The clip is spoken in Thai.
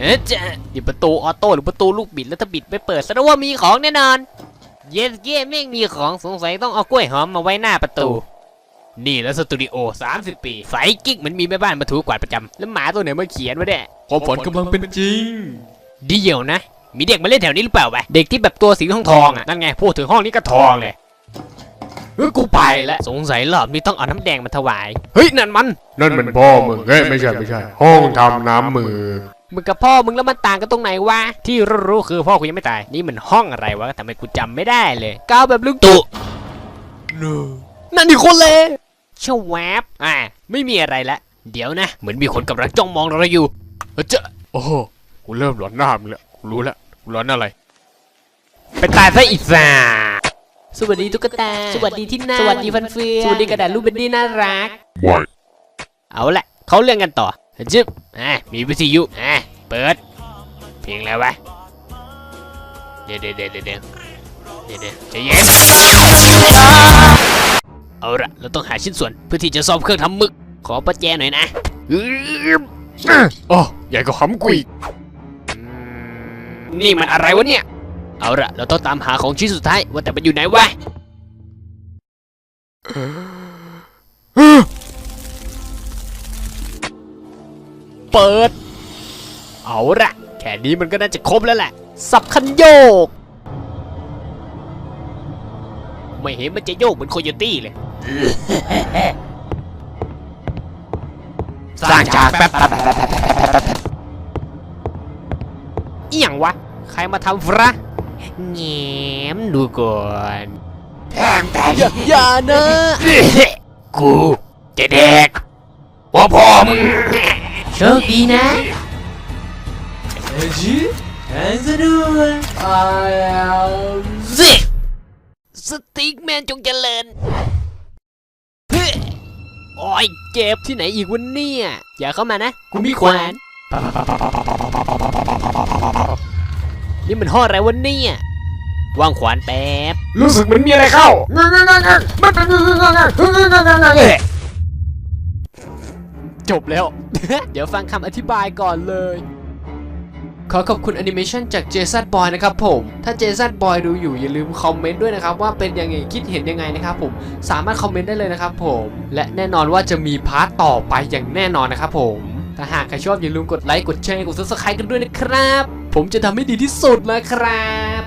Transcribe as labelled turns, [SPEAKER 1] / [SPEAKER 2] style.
[SPEAKER 1] จะนี่ประตูออโต้หรือประตูลูกบิดแล้วถ้าบิดไม่เปิดแสดงว่ามีของแน่นอนเยสเก้แม่งมีของสงสัยต้องเอากล้วยหอมมาไว้หน้าประตูนี่แล้วสตูดิโอ30 ปีไฟกิ๊กมันมีแม่บ้านมาถูกวาดประจำแล้วหมาตัวไหนมาเขียนวะเนี่ย
[SPEAKER 2] ความฝันกำลังเป็นจริง
[SPEAKER 1] เดี๋ยวนะมีเด็กมาเล่นแถวนี้หรือเปล่าวะเด็กที่แบบตัวสีทองอ่ะนั่นไงพูดถึงห้องนี้ก็ทองเลย
[SPEAKER 2] กูไปแล้ว
[SPEAKER 1] สงสัยรอบนี้ต้องเอาน้ำแดงมาถวายเฮ้ยนั่นมัน
[SPEAKER 2] พ่อมึงเฮ้ยไม่ใช่ห้องทำน้ำมือ
[SPEAKER 1] มึงกับพ่อมึงแล้วมันต่างกันตรงไหนวะที่รู้คือพ่อกูยังไม่ตายนี่มันห้องอะไรวะทำไมกูจำไม่ได้เลยก้าวแบบลุงตู่นั่นนี่คนเลยชวบไม่มีอะไรละเดี๋ยวนะเหมือนมีคนกำลังจ้องมองเราอยู่
[SPEAKER 2] เจ้าโอ้โหกูเริ่มหลอนหน้ามึงแล้วกูรู้แล้วกูหลอนอะไร
[SPEAKER 1] ไปตายซะอีกซ่าสวัสดีตุ๊กตาสวัสดีที่หน้าสวัสดีฟันเฟืองสวัสดีกระดาษรูปเบนดี้น่ารักเอาละเขาเรื่องกันต่อจึ๊บมีวิทยุเปิดเพลงแล้ววะเดี๋ยวใจเย็นเอาละเราต้องหาชิ้นส่วนเพื่อที่จะซ่อมเครื่องทำหมึกขอประแจหน่อยนะ
[SPEAKER 2] อ๋อใหญ่กว่าขำกุย
[SPEAKER 1] นี่มันอะไรวะเนี่ยเอาละเราต้องตามหาของชิ้นสุดท้ายว่าแต่มันอยู่ไหนวะเปิดเอาละแค่นี้มันก็น่าจะครบแล้วแหละสับคันโยกไม่เห็นมันจะโยกเหมือนโคโยตี้เลยสร้างฉากแป๊บอีหยังวะใครมาทำฟระแง้มดูก่อนอย่านะกูจะแดกพ่อมึงโชคดีนะแทงซะด้วยสติ๊กแมนจงเจริญโอ้ยเจ็บที่ไหนอีกวันนี้อย่าเข้ามานะกูมีขวานนี่มันห่ออะไรวันนี้วางขวานแป๊บ
[SPEAKER 2] รู้สึกเหมือนมีอะไรเข้า
[SPEAKER 1] จบแล้ว เดี๋ยวฟังคำอธิบายก่อนเลยขอขอบคุณแอนิเมชันจากเจสันบอยนะครับผมถ้าเจสันบอยดูอยู่อย่าลืมคอมเมนต์ด้วยนะครับว่าเป็นยังไงคิดเห็นยังไงนะครับผมสามารถคอมเมนต์ได้เลยนะครับผมและแน่นอนว่าจะมีพาร์ทต่อไปอย่างแน่นอนนะครับผมถ้าหากใครชอบอย่าลืมกดไลค์กดแชร์กด Subscribe กันด้วยนะครับผมจะทำให้ดีที่สุดนะครับ